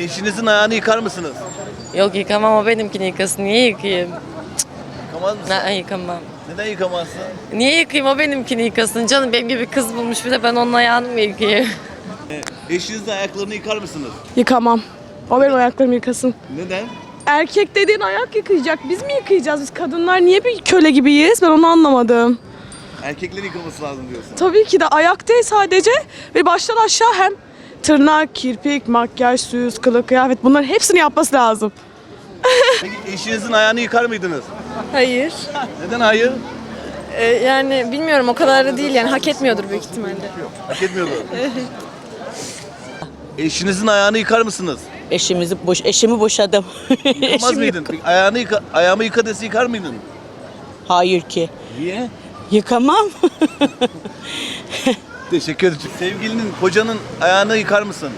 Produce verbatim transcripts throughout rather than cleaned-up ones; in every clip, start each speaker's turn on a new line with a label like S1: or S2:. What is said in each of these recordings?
S1: Eşinizin ayağını yıkar mısınız?
S2: Yok yıkamam, o benimkini yıkasın. Niye yıkayayım?
S1: Yıkamaz mısın?
S2: Ne, yıkamam.
S1: Neden yıkamazsın?
S2: Niye yıkayayım, o benimkini yıkasın? Canım benim gibi kız bulmuş, bir de ben onun ayağını mı yıkayayım?
S1: Eşinizin ayaklarını yıkar mısınız?
S3: Yıkamam. O benim ayaklarımı yıkasın.
S1: Neden?
S3: Erkek dediğin ayak yıkayacak. Biz mi yıkayacağız? Biz kadınlar niye bir köle gibiyiz? Ben onu anlamadım.
S1: Erkeklerin yıkaması lazım diyorsun.
S3: Tabii ki de ayak değil sadece. Ve baştan aşağı hem tırnak, kirpik, makyaj, süs, kılık, kıyafet bunların hepsini yapması lazım.
S1: Peki eşinizin ayağını yıkar mıydınız?
S4: Hayır.
S1: Neden hayır?
S4: Ee, yani bilmiyorum, o kadar da değil yani, hak etmiyordur büyük ihtimalle.
S1: Hak etmiyordu. Eşinizin ayağını yıkar mısınız?
S5: Eşimizi boş eşimi boşadım.
S1: Yıkamaz
S5: Eşim
S1: mıydın?
S5: yok.
S1: Peki ayağını yıka, ayağımı yıka dese yıkar mıydın?
S5: Hayır ki.
S1: Niye?
S5: Yıkamam.
S1: Teşekkür ederim. Sevgilinin, kocanın ayağını yıkar mısın?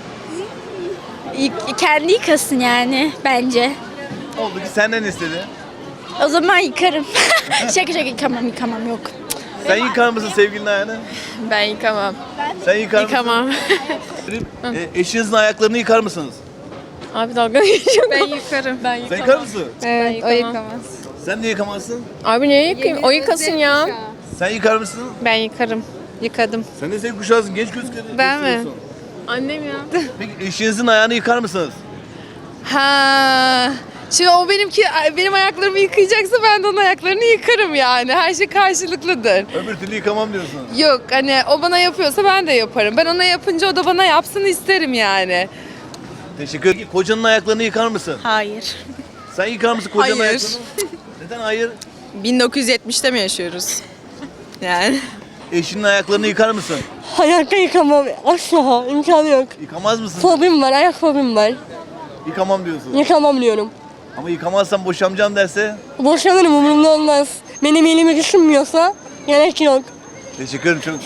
S6: Kendi yıkasın yani bence.
S1: Oldu ki senden istedi.
S6: O zaman yıkarım. şaka şaka yıkamam yıkamam yok.
S1: Sen yıkar mısın sevgilinin ayağını?
S4: Ben yıkamam.
S1: Sen yıkar
S4: Yıkamam.
S1: mısın? E, eşinizin ayaklarını yıkar mısınız?
S4: Abi dalga geçiyorum. Ben yıkarım. Ben
S1: Sen yıkar mısın?
S4: Evet, o yıkamaz.
S1: Sen niye yıkamazsın?
S4: Abi niye yıkayayım? O yıkasın ya.
S1: Sen yıkar mısın?
S4: Ben yıkarım. Yıkadım.
S1: Sen de sen kuşağısın, genç gözüküyorsun.
S4: Ben mi? Annem ya.
S1: Peki eşinizin ayağını yıkar mısınız?
S7: Ha. Şimdi o benimki benim ayaklarımı yıkayacaksa ben de onun ayaklarını yıkarım yani. Her şey karşılıklıdır.
S1: Öbür türlü yıkamam diyorsun.
S7: Yok hani o bana yapıyorsa ben de yaparım. Ben ona yapınca o da bana yapsın isterim yani.
S1: Teşekkür ederim. Kocanın ayaklarını yıkar mısın?
S6: Hayır.
S1: Sen yıkar mısın kocanın
S7: Hayır.
S1: ayaklarını? Neden hayır?
S7: bin dokuz yüz yetmişte mi yaşıyoruz? Yani.
S1: Eşinin ayaklarını yıkar mısın?
S5: Hayatta yıkamam. Asla imkanı yok.
S1: Yıkamaz mısın?
S5: Fobim var, ayak fobim var.
S1: Yıkamam diyorsun.
S5: Yıkamam diyorum.
S1: Ama yıkamazsan boşanacağım derse?
S5: Boşanırım, umurumda olmaz. Benim elimi düşünmüyorsa gerek yok.
S1: Teşekkür ederim çok.